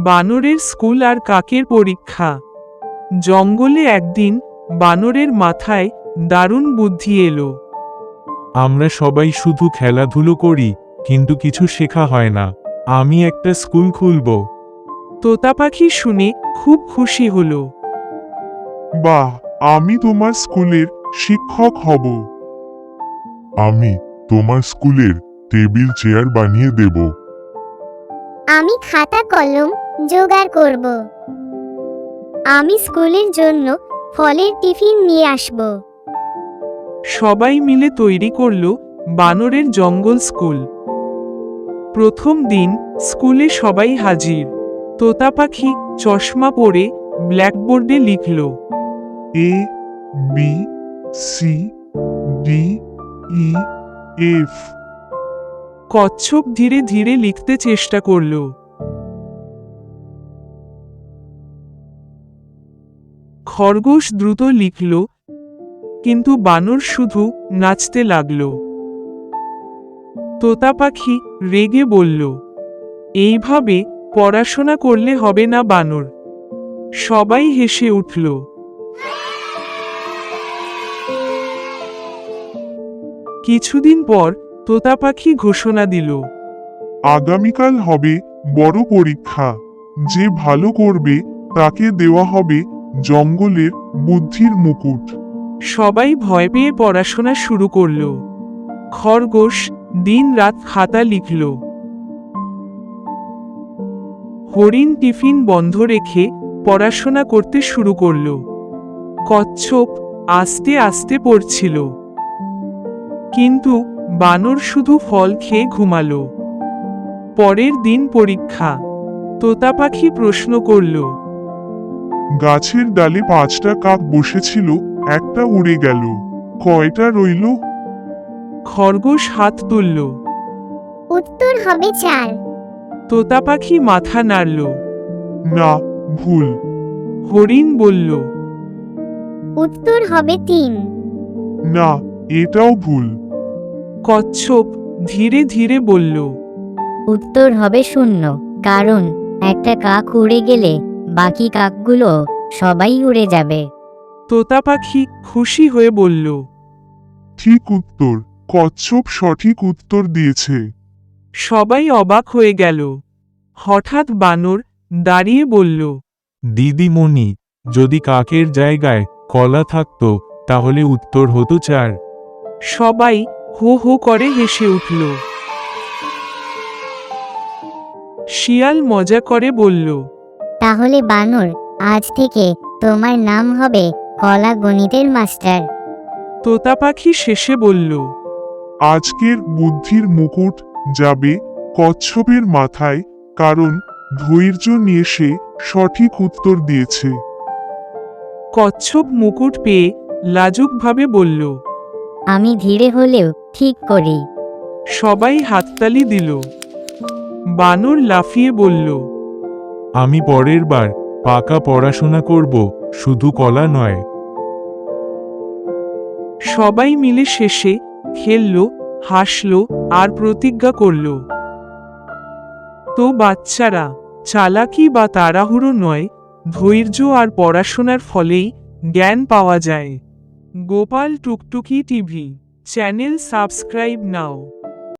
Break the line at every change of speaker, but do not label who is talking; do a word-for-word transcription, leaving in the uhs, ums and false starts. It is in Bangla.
বানরের স্কুল আর কাকের পরীক্ষা। জঙ্গলে একদিন বানরের মাথায় দারুণ বুদ্ধি এলো।
আমরা সবাই শুধু খেলাধুলো করি, কিন্তু কিছু শেখা হয় না। আমি একটা স্কুল খুলব।
তোতা পাখি শুনে খুব খুশি হলো।
বাহ, আমি তোমার স্কুলের শিক্ষক হব। আমি তোমার স্কুলের টেবিল চেয়ার বানিয়ে দেব।
আমি খাতা কলম জোগাড় করব। আমি স্কুলের জন্য ফলের টিফিন নিয়ে আসব।
সবাই মিলে তৈরি করল বানরের জঙ্গল স্কুল। প্রথম দিন স্কুলে সবাই হাজির। তোতা পাখি চশমা পরে ব্ল্যাকবোর্ডে লিখল
A B C D E F.
কচ্ছপ ধীরে ধীরে লিখতে চেষ্টা করল। খরগোশ দ্রুত লিখল, কিন্তু বানর শুধু নাচতে লাগল। তোতা পাখি রেগে বলল, এইভাবে পড়াশোনা করলে হবে না বানর। সবাই হেসে উঠল। কিছুদিন পর তোতা পাখি ঘোষণা দিল,
আগামীকাল হবে বড় পরীক্ষা। যে ভালো করবে তাকে দেওয়া হবে জঙ্গলের বুদ্ধির মুকুট।
সবাই ভয় পেয়ে পড়াশোনা শুরু করল। খরগোশ দিন রাত খাতা লিখল। হরিণ টিফিন বন্ধ রেখে পড়াশোনা করতে শুরু করল। কচ্ছপ আস্তে আস্তে পড়ছিল। কিন্তু বানর শুধু ফল খেয়ে ঘুমালো। পরের দিন পরীক্ষা। তোতা পাখি প্রশ্ন করল,
গাছের ডালে পাঁচটা কাক বসেছিল, একটা উড়ে গেল, কয়টা রইল?
খরগোশ হাত তুলল।
উত্তর হবে চার।
তোতা পাখি মাথা নাড়ল।
না, ভুল।
হরিণ বলল,
উত্তর হবে তিন।
না, এটাও ভুল।
কচ্ছপ ধীরে ধীরে বলল,
উত্তর হবে শূন্য, কারণ একটা কাক উড়ে গেলে বাকি কাকগুলো সবাই উড়ে যাবে।
তোতা পাখি খুশি হয়ে বলল,
ঠিক উত্তর। কচ্ছপ সঠিক উত্তর দিয়েছে।
সবাই অবাক হয়ে গেল। হঠাৎ বানর দাঁড়িয়ে বলল,
দিদিমণি, যদি কাকের জায়গায় কলা থাকতো তাহলে উত্তর হতো চার।
সবাই হো হো করে হেসে উঠল। শিয়াল মজা করে বলল,
তাহলে বানর, আজ থেকে তোমার নাম হবে কলা গণিতের মাস্টার।
তোতা পাখি শেষে বলল,
আজকের বুদ্ধির মুকুট যাবে কচ্ছপের মাথায়, কারণ ধৈর্য নিয়ে সে সঠিক উত্তর দিয়েছে।
কচ্ছপ মুকুট পেয়ে লাজুকভাবে বলল,
আমি ধীরে হলেও ঠিক করি।
সবাই হাততালি দিল। বানর লাফিয়ে বলল,
আমি পরের বার পাকা পড়াশোনা করব, শুধু কলা নয়।
সবাই মিলে শেষে খেলল, হাসল আর প্রতিজ্ঞা করল। তো বাচ্চারা, চালাকি বা তাড়াহুড়ো নয়, ধৈর্য আর পড়াশোনার ফলেই জ্ঞান পাওয়া যায়। গোপাল টুকটুকি টিভি চ্যানেল সাবস্ক্রাইব নাও।